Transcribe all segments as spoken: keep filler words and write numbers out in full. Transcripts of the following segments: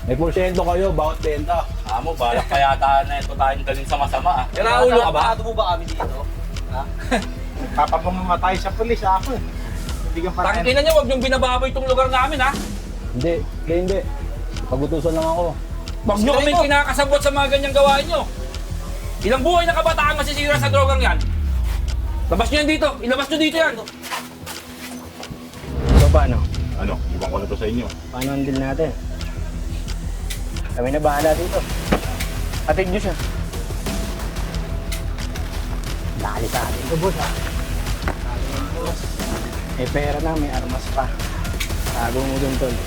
May porsyento kayo, bawat benta. Amo, balak kaya tayo na ito tayong dalhin sa masama ah. Kinaulo ka ba? Nakado mo ba kami dito? Ha? Nagpapamamatay sa pulis ako eh. Hindi ka pa rin. Tangina niyo, huwag niyong binababoy itong lugar namin ha. Hindi, hindi, hindi. Pagutusan lang ako. Huwag niyo kaming kinakasabot sa mga ganyang gawain niyo. Ilang buhay na kabataan masisira sa drogang yan. Labas niyo yan dito, ilabas niyo dito yan. So paano? Ano, ibang ko na to sa inyo. Paano ang deal natin? Kami na bahala dito. Atid nyo siya. Dali sa atin ito, boss, ha? May pera na, may armas pa. Tago mo dun, tol.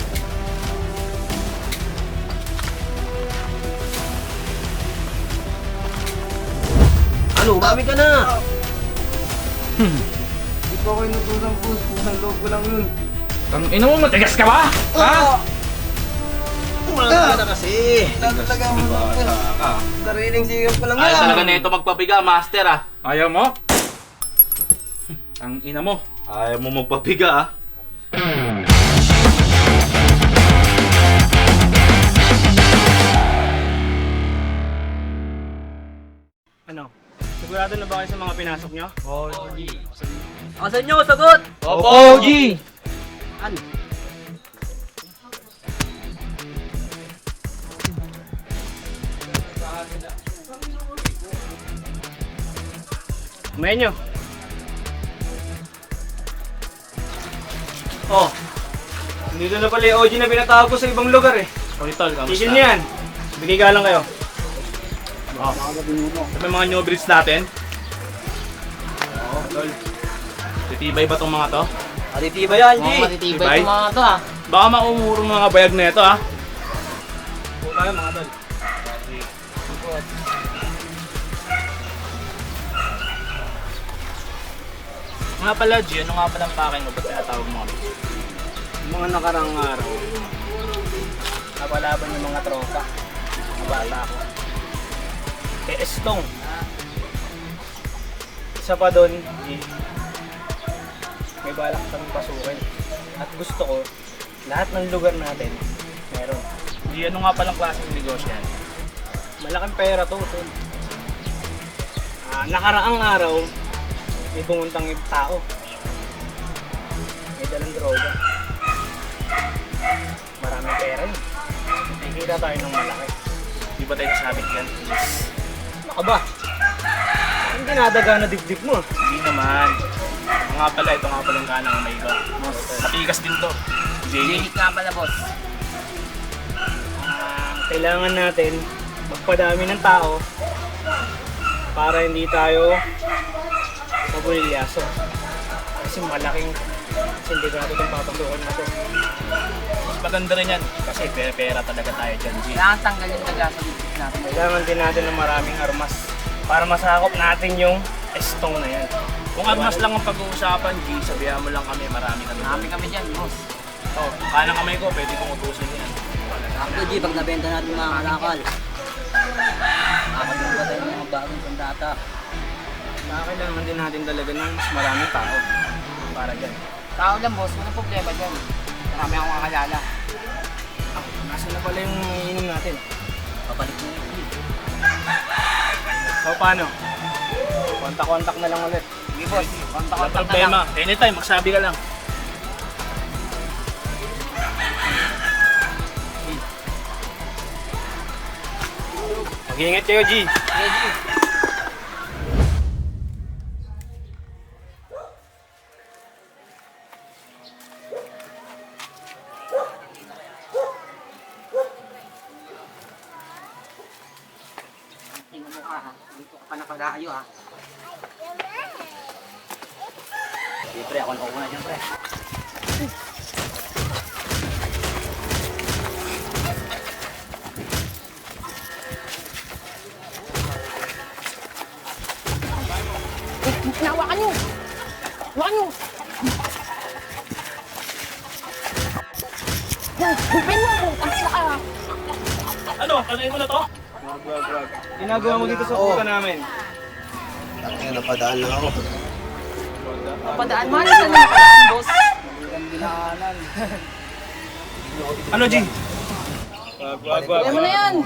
Ano, umami ka na! Hindi po ako inutusang pulis. Pusang loob ko lang yun. Tangina mo, matigas ka ba? Ha? Umami ka na kasi! Talaga mo Ah. Sariling sigap ko lang Ayaw yan! talaga na ito magpabiga, master ah. Ayaw mo? Ang ina mo. Ayaw mo magpabiga ah. Ano? Sigurado na ba kayo sa mga pinasok nyo? Asan nyo? Sagot! Opo, G! Ano? Kumain nyo. Oh. Dito na pala yung O G na pinatawag ko sa ibang lugar eh. Oy tol, kamusta? Tigil nyo yan. Bigay ka lang kayo. Oh. May mga new breeds natin. Oo, tol. Titibay ba tong mga to? Matitiba yan, G! Mukhang matitibay Tibay? itong mga to ah. Baka maumurong mga bayag na ito ah. Wala mga tol. Nga pala G, ano nga pala ang pakay mo? Ba't tinatawag mo kami? Yung mga nakarang araw, napalaban yung mga tropa. Mga bata ko. Kay Estong. Isa pa doon, eh, may balak kami pasukin. At gusto ko, lahat ng lugar natin, meron. G, ano nga palang klaseng negosyo yan? Malaking pera to, tol. Ah, nakaraang araw, may pumuntang yung tao. May dalang droga. Maraming pera yun. Nakikita tayo ng malaki. Di ba tayo nasabit yan? Ano ka ba? Ang dinadaga na dibdib mo. Hindi naman. Ano nga pala, ito nga pala yung kanang may iba. Matigas din to. J. nga pala boss. Ah, kailangan natin magpadami ng tao para hindi tayo mabulilyaso. Kasi malaking sindikato itong papatukan natin. Mas maganda rin yan. Kasi pera-pera talaga tayo dyan, G. Kailangan tanggalin talaga sa bibig natin. Kailangan din natin ng maraming armas para masakop natin yung estong na yan. Kung armas lang ang pag-uusapan, G, sabihan mo lang kami, marami kami. Marami kami dyan, boss. Oh, kanang kamay ko, pwede kong utusin yan. Ako, G, pag nabenta natin mga kalakal. Makakagawa tayo ng mga bagong sandata. Kailangan din natin talaga ng mas maraming tao para dyan. Tao lang, boss. Walang problema dyan. Marami akong kakalala. Ah, nasa na pala yung inom natin? Papalik mo yung G. So paano? Kontak-kontak na lang ulit. Sige, boss. Walang Kontak-kontak na lang. problema. Anytime, magsabi ka lang. Mag-iingat kayo, G! Sige, G. Tingnan mo ka ha. Dito ka pa nakalayo ha. Siyempre, ako na una dyan, pre. Hawakan nyo! Hawakan nyo! Hupin mo ako! Ang saka! Ano? Tanayin mo na to? Wag, wag, wag. Ginagawa mo dito sa puta namin. Kaya napadaan lang ako. Papadaan mo. Ano saan na napadaan, boss? Ano, G? Wag, wag, wag. Kaya mo na yan.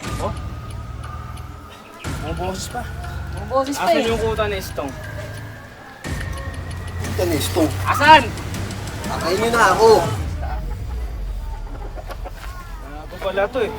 Ang boses pa. Ang boses pa Asan eh. yung kuta ni Stong? Tanisto. Asan? Pakain nyo na ako. Ako pala to eh.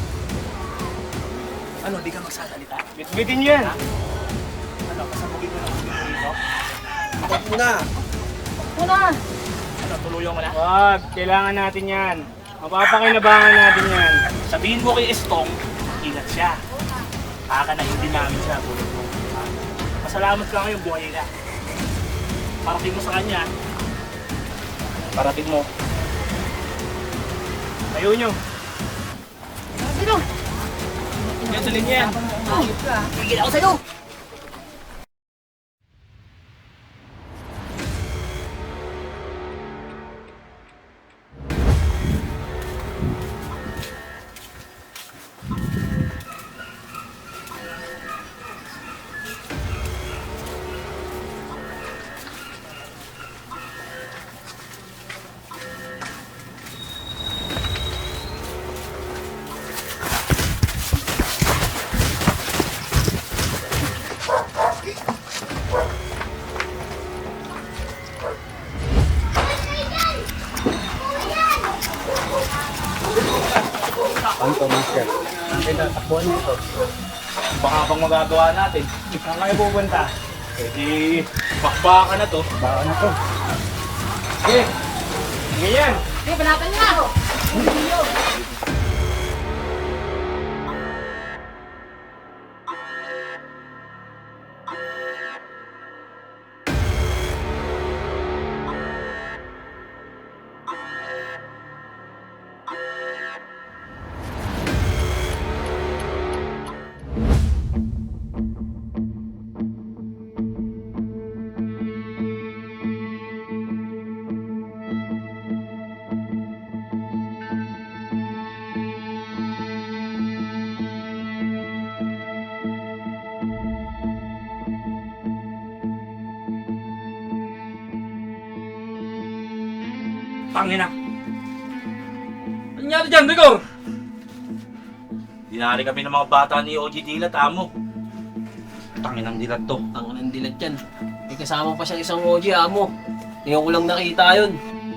Ano, di ka magsasalita? Bitbitin nyo yan. Ano, pasabugin mo na ako dito? Bakit mo na? Una. Ano, tuluyan mo na? Wag, kailangan natin yan. Mapapakinabangan natin yan. Sabihin mo kay Estong, ingat siya. Baka na hindi namin siya tulad mo. Pasalamat ka ngayon, buhay na. Parating mo sa kanya. Parating mo. Tayo nyo. Sino? Yan, tuloy niya yan. Tigil ako sa'yo. Ano to, master? Ang ganda, takbuhan mo ito. Baka pang magagawa natin. Saan kayo pupunta? Eh di, bakbaka na to. Baka na to. Sige. Sige yan. Sige, panatan niya. Tangina. Ano nangyari dyan, Rigor? Dinari kami ng mga bata ni O G Dilat, amo. Tanginang dilat to. Ang nandilat yan. May kasama pa siyang isang O G, amo. Ngayon ko lang nakita yun.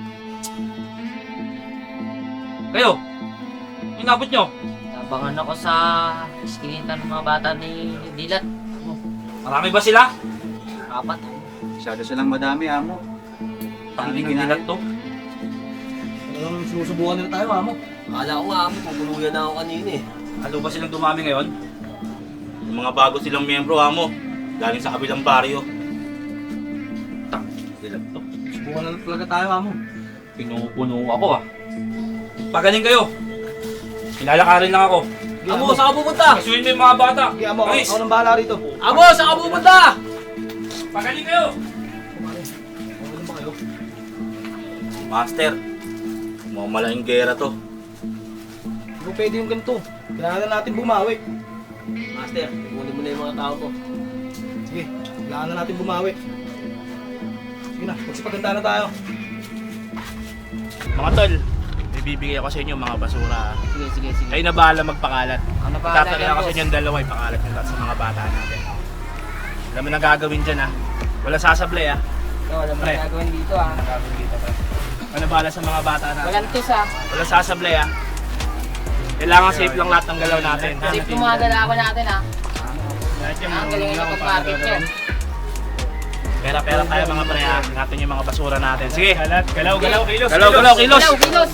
Kayo, inabot nyo. Abangan ako sa iskinita ng mga bata ni Dilat. Marami ba sila? Apat. Masyado silang madami, amo. Tanginang dilat to. Anong sinusubukan nila tayo, amo? Akala ko nga, amo, pupuluyan na ako kanina eh. Ano ba silang dumami ngayon? Yung mga bago silang miyembro, amo. Galing sa kabilang baryo. Tanginang dilat to. Subukan na talaga tayo, amo. Pinupuno ako ah. Pagaling kayo. Ilalakarin lang ako. Amo, saan ka pupunta? Kasuhin mo yung mga bata. Sige, amo. Ayos. Ako nang bahala rito. Amo, saan ka pupunta? Pagaling kayo. Master, mga malaking gera to. Hindi ko pwede yung ganito. Kailangan natin bumawi. Master, kunin mo na yung mga tao ko. Sige, kailangan na natin bumawi. Sige na, magsipaganda na tayo. Mga tol, may bibigay ako sa inyo mga basura. Sige, sige, sige. Kayo na bahala magpakalat. Ano pa Tatagay ako sa inyo yung dalawa, ipakalat nyo lahat sa mga bata natin. Alam mo na gagawin dyan ha. Wala sasablay ha. Ito, alam mo Pre. na gagawin dito ah. Wala gagawin dito pre. Ano bahala sa mga bata natin. Walang tis ah. Wala sasablay ha. Kailangan safe lang lahat ng galaw natin. Safe yung mga galawan natin ah. Lahat yung Ang galing na pag-market nyo. Pera-pera tayo mga pre ha. Ingatan yung mga basura natin. Sige. Kalat, galaw, galaw, kilos. Galaw, galaw, kilos. Kilos, kilos.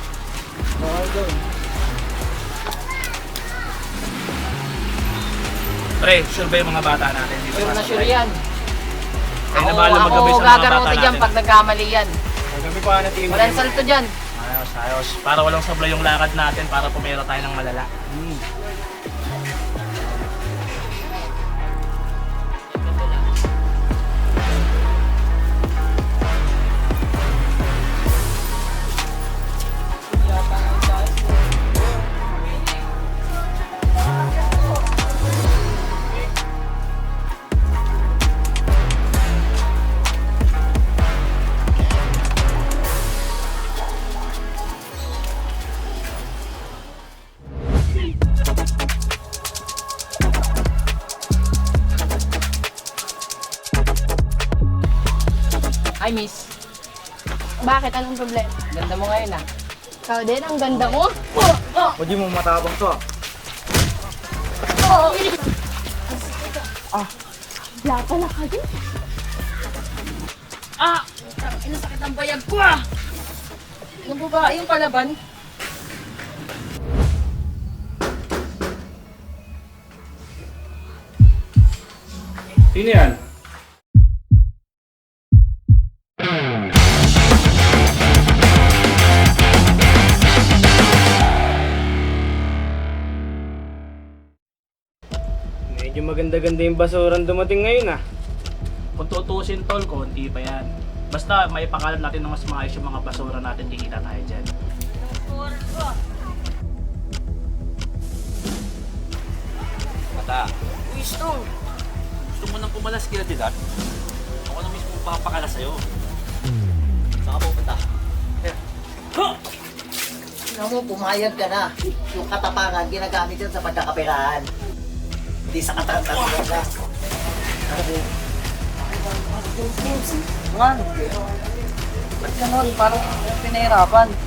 Pre, sure ba yung mga bata natin? Dito Sure na sasablay? sure yan. Kayo na Ako, bahala ako maggabi sa mga bata gagarote dyan natin. pag nagkamali yan. Gabi pa na tingin. Walang salto dyan. Ayos, ayos. Para walang sablay yung lakad natin para pumera tayo ng malala. Ay, miss. Bakit? Anong problema? Ganda mo ngayon ah. Ikaw din, ang ganda mo. Oh, oh, O di mo matabang to ah. oh. Ah. Wala pala kayo. Ah! Inasakit ang bayag ko ah! Yung babae yung palaban. Sino yan? Medyo maganda-ganda yung basurang dumating ngayon ah. Kung tutusin tol, konti pa yan. Basta may pakalam natin ng mas maayos yung mga basura natin, kikita tayo dyan. Bata. Gusto. Gusto mo nang pumalas kila Dilat? Ako na mismo papakalas sa'yo. Saan ka pupunta? Huh! Tingnan mo, pumayag ka na. Yung katapangan, ginagamit yan sa pagkakapirahan. Hindi sa katantanan ka. Man, ba't ganun? Parang pinahirapan.